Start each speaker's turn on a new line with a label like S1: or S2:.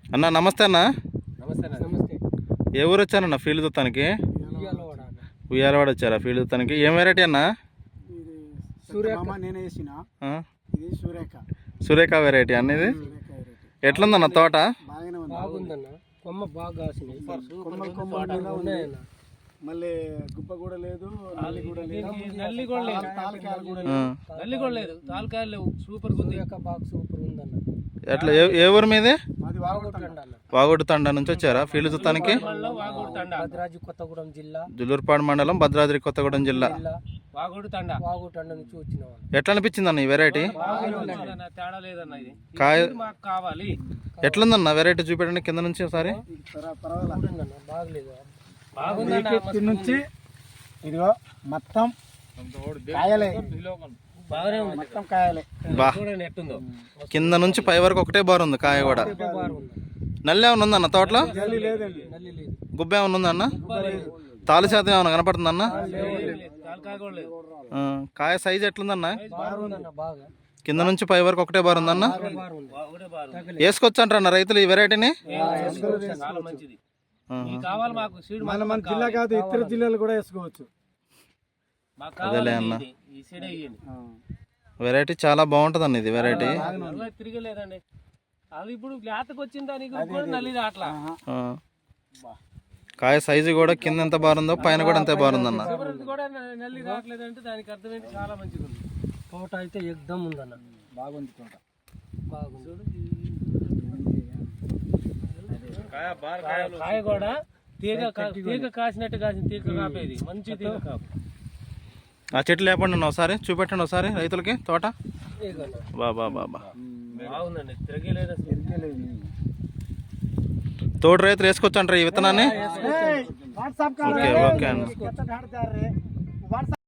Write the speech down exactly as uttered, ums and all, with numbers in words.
S1: అన్న నమస్తే అన్న.
S2: నమస్తే నమస్తే.
S1: ఏ ఊరు వచ్చానన్న ఫీల్డ్ చూస్తానికి?
S2: ఉయ్యాలవాడ అన్న.
S1: ఉయ్యాలవాడ వచ్చారా ఫీల్డ్ చూస్తానికి? ఏం వెరైటీ అన్న?
S3: ఇది సూర్యక నేనే వేసిన.
S1: ఆ?
S3: ఇది సూర్యక.
S1: సురేఖ వెరైటీ అన్న ఇది.
S3: సూర్యక వెరైటీ.
S1: ఎట్లుందన్న తోట?
S3: బాగానే ఉంది.
S2: బాగుందన్న. కొమ్మ బాగా కాసినాయి.
S3: కొమ్మలు కొమ్మలు ఉన్నాయన్న. మళ్ళీ గుప్ప కూడా లేదు, నల్లి కూడా లేదు.
S2: నల్లి కూడా లేదు.
S3: తాలకాయలు కూడా
S1: ఆ.
S3: లేదు.
S2: నల్లి కూడా లేదు. తాలకాయలు లేవు. సూపర్ ఉంది. బాగా సూపర్ ఉందన్న.
S1: ఎట్లా ఏ ఏ ఊరు మీది?
S3: మాది వాగుతుండ.
S1: వాగొట్టు తండా నుంచి వచ్చారా ఫీల్డ్ చూస్తానికి?
S2: భద్రాద్రి కొత్తగూడెం జిల్లా,
S1: జుల్లూరుపాడు మండలం, భద్రాద్రి కొత్తగూడెం జిల్లా.
S2: వాగోడు తండ వాగోడు తండ నుంచి వచ్చిన వాళ్ళు.
S1: ఎట్లా అనిపించింది అన్న ఈ వెరైటీ?
S2: తేడా లేదన్న. ఇది
S1: కాయ
S2: మాకు కావాలి.
S1: ఎట్లుందన్న వెరైటీ చూపెట్టండి కింద నుంచి ఒకసారి.
S3: పర్వాలేదు.
S2: బాగలేదు.
S3: ఇక్కడి నుంచి ఇదిగో మొత్తం కాయలే.
S2: బాగానే ఉంది.
S3: మొత్తం కాయలే.
S1: బా
S2: చూడండి ఎట్టుందో.
S1: కింద నుంచి పై వరకు ఒకటే బార్ ఉంది కాయ కూడా. నల్లి ఏమైనా ఉందన్న తోటలో?
S3: నల్లి లేదండి.
S2: నల్లి లేదు.
S1: గుబ్బ ఏమైనా ఉందన్న? తాలు శాతం ఏమైనా కనపడుతుందన్న?
S2: తాలకాయ కూడా లేదు.
S1: ఆ, కాయ సైజ్ ఎట్లుందన్న?
S2: బాగుందన్న. బాగా
S1: కింద నుంచి పై వరకు ఒకటే బార్ ఉందన్న.
S2: ఒకటే బాగుంది.
S1: వేసుకోవచ్చు అంటారన్న రైతులు ఈ వెరైటీని?
S2: చాలా మంచిది. ఇది కావాలి మాకు. సీడ్
S3: మన మన జిల్లా కాదు, ఇతర జిల్లాలు కూడా వేసుకోవచ్చు.
S2: మాకు
S1: అదేలే
S2: కావాలి
S1: అన్న.
S2: ఇది. ఈ సీడ్ వేయండి.
S1: వెరైటీ చాలా బాగుంటుంది అన్న ఇది వెరైటీ.
S2: అలా తిరగలేదండి. అది ఇప్పుడు లేతకు వచ్చిన దానికి కూడా నల్లి రాట్లా.
S1: ఆ. కాయ సైజు కూడా కింద ఎంత బాగుందో పైన కూడా అంతే బాగుందన్న.
S2: చివరిది కూడా నల్లి రావట్లేదంటే దానికి అర్థం ఏంటి? చాలా మంచిగా ఉంది. తోట అయితే ఎగ్దమ్ ఉందన్న.
S3: బాగుంది తోట.
S2: బాగుంది. కాయ కూడా తీగ కా- తీగ కాసినట్టు కాసిన తీగ కాపేది. మంచి తీగ కాపు.
S1: ఆ చెట్లు లేపండి అన్న ఒకసారి, చూపెట్టండి ఒకసారి రైతులకి తోట.
S2: ఇదిగోన్న.
S1: బా బా బా బా
S2: బాగుందండి. తిరగలేదు అసలు.
S1: తోడు రైతులు వేసుకోవచ్చు అంటారు ఈ విత్తనాన్ని?
S3: వాట్సాప్
S1: ఓకే ఓకే అన్న.
S3: కాల్